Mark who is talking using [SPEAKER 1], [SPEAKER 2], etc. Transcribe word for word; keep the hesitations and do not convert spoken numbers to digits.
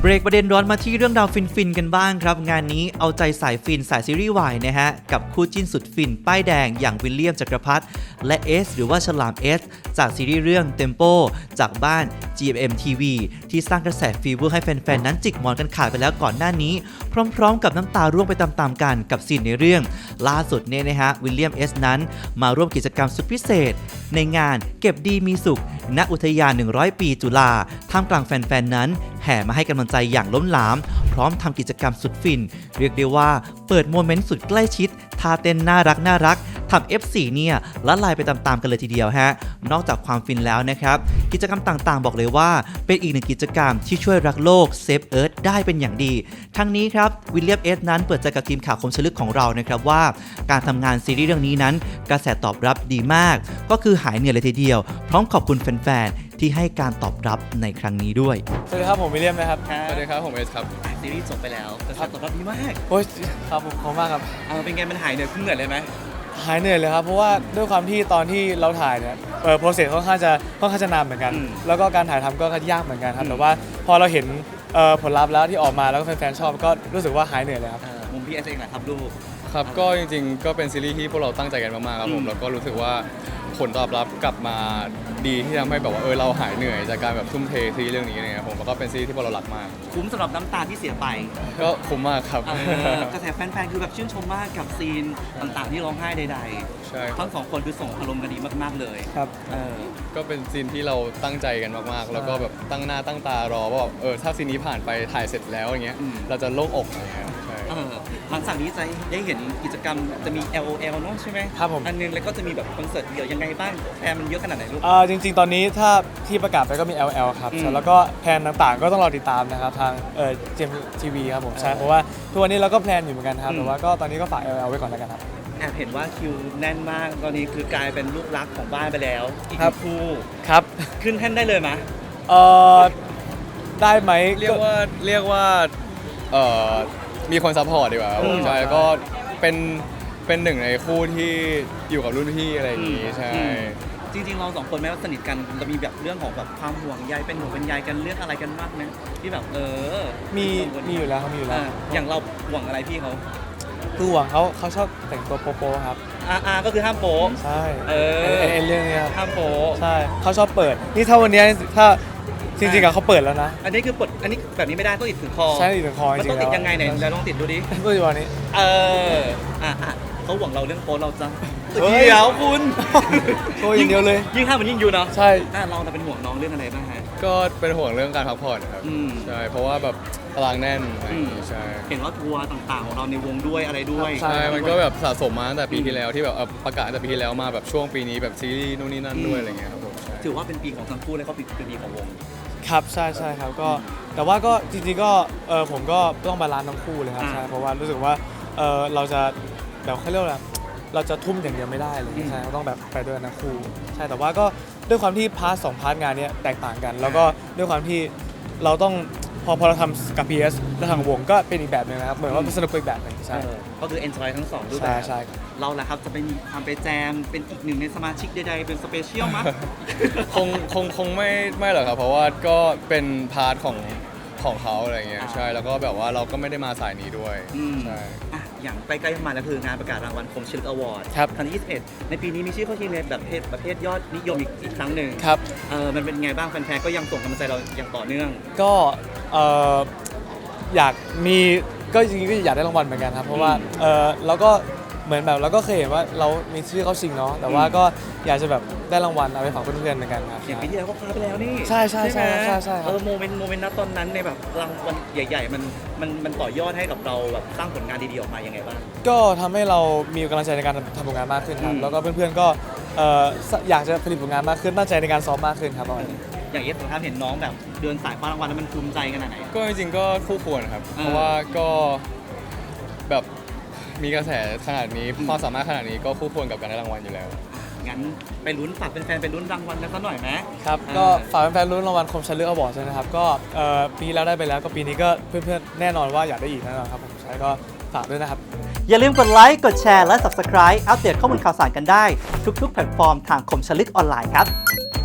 [SPEAKER 1] รกประเด็นร้อนมาที่เรื่องราวฟินๆกันบ้างครับงานนี้เอาใจสายฟินสายซีรีส์วายนะฮะกับคู่จิ้นสุดฟินป้ายแดงอย่างวิลเลียมจักรพัฒน์และเอสหรือว่าฉลามเอสจากซีรีส์เรื่อง Tempo จากบ้าน จี เอ็ม เอ็ม ที วี ที่สร้างกระแสฟีเวอร์ให้แฟนๆนั้นจิกหมอนกันขาดไปแล้วก่อนหน้านี้พร้อมๆกับน้ำตาร่วงไปตามๆกันกับซีนในเรื่องล่าสุดเนี่ยนะฮะวิลเลียมเอสนั้นมาร่วมกิจกรรมสุดพิเศษในงานเก็บดีมีสุขณอุทยานหนึ่งร้อยปีจุฬาท่ามกลางแฟนๆนั้นแห่มาให้กำลังใจอย่างล้นหลามพร้อมทำกิจกรรมสุดฟินเรียกได้ว่าเปิดโมเมนต์สุดใกล้ชิดท่าเต้นน่ารักน่ารักทำ เอฟ โฟร์ เนี่ยละลายไปตามๆกันเลยทีเดียวฮะนอกจากความฟินแล้วนะครับกิจกรรมต่างๆบอกเลยว่าเป็นอีกหนึ่งกิจกรรมที่ช่วยรักโลกเซฟเอิร์ธได้เป็นอย่างดีทั้งนี้ครับวิลเลียมเอสนั้นเปิดใจกับทีมข่าวคมชลึกของเรานะครับว่าการทำงานซีรีส์เรื่องนี้นั้นกระแสตอบรับดีมากก็คือหายเหนื่อยเลยทีเดียวพร้อมขอบคุณแฟนๆที่ให้การตอบรับในครั้งนี้ด้วย
[SPEAKER 2] สวัสดีครับผมวิลเลียมนะครับ
[SPEAKER 3] สวัสดีครับผมเอสครับ
[SPEAKER 1] ซีรีส์จบไปแล้วกระแสตอบรับดีมาก
[SPEAKER 2] โอ้ยครับผมขอบคุณมากครับ
[SPEAKER 1] เอาเป็นไงมันหายเหนื่อยขึ้นเหนื่อยเลยไหม
[SPEAKER 2] หายเหนื่อยเลยครับเพราะว่าด้วยความที่ตอนที่เราถ่ายเนี่ยเออโปรเซสค่อนข้างจะค่อนข้างจะนานเหมือนกันแล้วก็การถ่ายทำก็ยากเหมือนกันครับแต่ว่าพอเราเห็นผลลัพธ์แล้วที่ออกมาแล้วก็แฟนๆชอบก็รู้สึกว่าหายเหนื่อยเลยครับ
[SPEAKER 1] มุมพี่เอสเองแหละครับลูก
[SPEAKER 3] ครับก็จริงๆก็เป็นซีรีส์ที่พวกเราตั้งใจกันมากๆครับผมแล้วก็รู้สึกว่าผลตอบรับกลับมาดีที่ทำให้แบบว่าเออเราหายเหนื่อยจากการแบบทุ่มเทซีรีส์เรื่องนี้เนี่ยผมแล้วก็เป็นซีรีส์ที่พวกเรารักมาก
[SPEAKER 1] คุ้มสำหรับน้ำตาที่เสียไป
[SPEAKER 3] ก็คุ้มมากครับ
[SPEAKER 1] กระแสแฟนๆคือแบบชื่นชมมากกับซีนต่างๆที่ร้องไห้ใดๆใช่ทั้งสองคนคือส่งอารมณ์กันดีมากๆเลย
[SPEAKER 2] ครับ
[SPEAKER 3] ก็เป็นซีนที่เราตั้งใจกันมากๆแล้วก็แบบตั้งหน้าตั้งตารอว่าเออถ้าซีนนี้ผ่านไปถ่ายเสร็จแล้วอย่างเงี้ยเราจะโล่งอกอะไรเงี้ยใช่
[SPEAKER 1] หลังจากนี้จะได้เห็นกิจกรรมจะมี แอล โอ แอล เนาะใช่ไหม
[SPEAKER 2] ครับผม
[SPEAKER 1] อันนึงแล้วก็จะมีแบบคอนเสิร์ตเดี่ยวยังไงบ้างแพนมันเยอะขนาดไหนลูก
[SPEAKER 2] อ่าจริงๆตอนนี้ถ้าที่ประกาศไปก็มี แอล แอล ครับแล้วก็แพลนต่างๆก็ต้องรอติดตามนะครับทางเอ่อ จี เอ็ม ที วี ครับผมใช่เพราะว่าทุกวันนี้เราก็แพลนอยู่เหมือนกันครับแต่ว่าก็ตอนนี้ก็ฝาก แอล แอล ไว้ก่อนแล้วกันครับ
[SPEAKER 1] แอบเห็นว่าคิวแน่นมากตอนนี้คือกลายเป็นลูกรักของบ้านไปแล้วอีกคู่
[SPEAKER 2] ครับ
[SPEAKER 1] ขึ้นแท่นได้เลยไหม
[SPEAKER 2] เออได้ไหม
[SPEAKER 3] เรียกว่าเรียกว่าเอ่อมีคนซัพพอร์ตดีกว่าใช่แล้วก็เป็นเป็นหนึ่งในคู่ที่อยู่กับรุ่นพี่อะไรอย่างงี้ใช่
[SPEAKER 1] จริงๆเราสองคนแม้ว่าสนิทกันจะมีแบบเรื่องของแบบความห่วงใยเป็นห่วงเป็นใยกันเรื่องอะไรกันมากไหมที่แบบเออ
[SPEAKER 2] มีมีอยู่แล้วเขามีอยู่แล้ว
[SPEAKER 1] อย่างเราห่วงอะไรพี่เขา
[SPEAKER 2] คือห่วงเขาเขาชอบแต่งตัวโป๊ะครับ
[SPEAKER 1] อ่าก็คือห้ามโป๊
[SPEAKER 2] ใช่
[SPEAKER 1] เออ
[SPEAKER 2] ไอ้เรื่องนี้
[SPEAKER 1] ห้ามโป๊
[SPEAKER 2] ใช่เขาชอบเปิดนี่ถ้าวันนี้ถ้าจริงๆอะเขาเปิดแล้วนะ
[SPEAKER 1] อันนี้คือเปิดอันนี้แบบนี้ไม่ได้ต้องติดถึงคอ
[SPEAKER 2] ใช่ติดถึงคอจริงๆ
[SPEAKER 1] มันต้องติดยังไงไหนเราลองติดดูดิ
[SPEAKER 2] ดูดิวันนี้
[SPEAKER 1] เอออ่ะอ่ะเขาหวังเราเรื่องโป๊เราจะเดี๋ยวคุณ
[SPEAKER 2] โป๊อย่างเดียวเลย
[SPEAKER 1] ยิ่งห้ามมันยิ่งอยู่เนาะ
[SPEAKER 2] ใช่
[SPEAKER 1] อ่ะเราจะเป็นห่วงน้องเรื่องอะไรบ้างฮะ
[SPEAKER 3] ก็เป็นห่วงเรื่องการพักผ่อนครับใช่เพราะว่าแบบตารางแน่นใช่
[SPEAKER 1] เห็นว่าทัวร์ต่างๆของเราในวงด้วยอะไรด้วย
[SPEAKER 3] ใช่มันก็แบบสะสมมาตั้งแต่ปีที่แล้วที่แบบประกาศตั้งแต่ปีที่แล้วมาแบบช่วงปีนี้แบบซีรีส์นู่นนี่นั่นด้วยอะไรเงี้ยครับผม
[SPEAKER 1] ถือว่าเป็นปีของทั้งคู่เลยเขาเป็นปีของวง
[SPEAKER 2] ครับใช่ใช่ครับก็แต่ว่าก็จริงๆก็เออผมก็ต้องบาลานซ์ทั้งคู่เลยครับใช่เพราะว่ารู้สึกว่าเออเราจะแบบเขาเรียกว่าเราจะทุ่มอย่างเดียวไม่ได้เลยใช่เราต้องแบบไปด้วยทั้งคู่ใช่แต่ว่าก็ด้วยความที่พาร์ทสองพาร์ทงานนี้แตกต่างกันแล้วก็ด้วยความที่เราต้องพอพอเราทำกับ พี เอส แล้วทางวงก็เป็นอีกแบบนึงนะครับเหมือนว่าสนุกอีกแบบนึงใช่
[SPEAKER 1] ก็คือ enjoy ทั้งสองรูปแบบ
[SPEAKER 2] ใช่
[SPEAKER 1] เราแหละครับจะเป็นทำไปแจมเป็นอีกหนึ่งในสมาชิกใดๆเป็นสเปเชียลมั้ย
[SPEAKER 3] คงคงคงไม่ไม่หรอกครับเพราะว่าก็เป็นพาร์ทของของเขาอะไรเงี้ยใช่แล้วก็แบบว่าเราก็ไม่ได้มาสายนี้ด้วยใช่
[SPEAKER 1] อย่างใกล้ๆมาแล้วคืองานประกาศรางวัลคมชลึกอวอร์ดครั้งที่ยี่สิบเอ็ดในปีนี้มีชื่อเข้าชิงในแบบประเภทประเภทยอดนิยมอีกอีกครั้งหนึ่ง
[SPEAKER 2] ครับ
[SPEAKER 1] เออมันเป็นไงบ้างแฟนๆก็ยังส่งกำลังใจเราอย่างต่อเนื่อง
[SPEAKER 2] ก็เอออยากมีก็จริงๆก็อยากได้รางวัลเหมือนกันครับเพราะว่าเออเราก็เหมือนแบบเราก็เคยเห็นว่าเรามีชื่อเข้าชิงเนาะแต่ว่าก็อยากจะแบบได้รางวัลเอาไปฝากเพื่อนๆเหมือนกันครับ
[SPEAKER 1] อย่างปีที่แล้วก็คว้าไปแล้วนี่
[SPEAKER 2] ใช่ใช่ใช่ใช่ใช่
[SPEAKER 1] เออโมเมนต์โมเมนต์นั้นตอนนั้นในแบบรางวัลใหญ่ๆมันมันมันต่อยอดให้กับเราแบบสร้างผลงานดีๆออกมายังไงบ้าง
[SPEAKER 2] ก็ทำให้เรามีกำลังใจในการทำผลงานมากขึ้นครับแล้วก็เพื่อนๆก็อยากจะผลิตผลงานมากขึ้นตั้งใจในการซ้อมมากขึ้นครับตอนนี้
[SPEAKER 1] อย่างเอสผมเห็นน้องแบบเดินสายคว้ารางวัลแล้วมันภูมิใจขนาดไหน
[SPEAKER 3] ก็จริงๆก็คู่ควรครับเพราะว่าก็แบบมีกระแสขนาดนี้ความสามารถขนาดนี้ก็คู่ควรกับการได้รางวัลอยู่แล้ว
[SPEAKER 1] งั้นไปลุ้นฝากเป็นแฟนไปลุ้นรางวัลกันสักหน่อยไหม
[SPEAKER 2] ครับก็ฝากเป็นแฟนลุ้นรางวัลคมชลึกอวอร์ดใช่ไหมครับก็ปีแล้วได้ไปแล้วก็ปีนี้ก็เพื่อนๆแน่นอนว่าอยากได้อีกแน่นอนครับผมใช่ก็ฝากด้วยนะครับ
[SPEAKER 1] อย่าลืมกดไลค์กดแชร์และ ซับสไครบ์ อัปเดตข้อมูลข่าวสารกันได้ทุกๆแพลตฟอร์มทางคมชลึกออนไลน์ครับ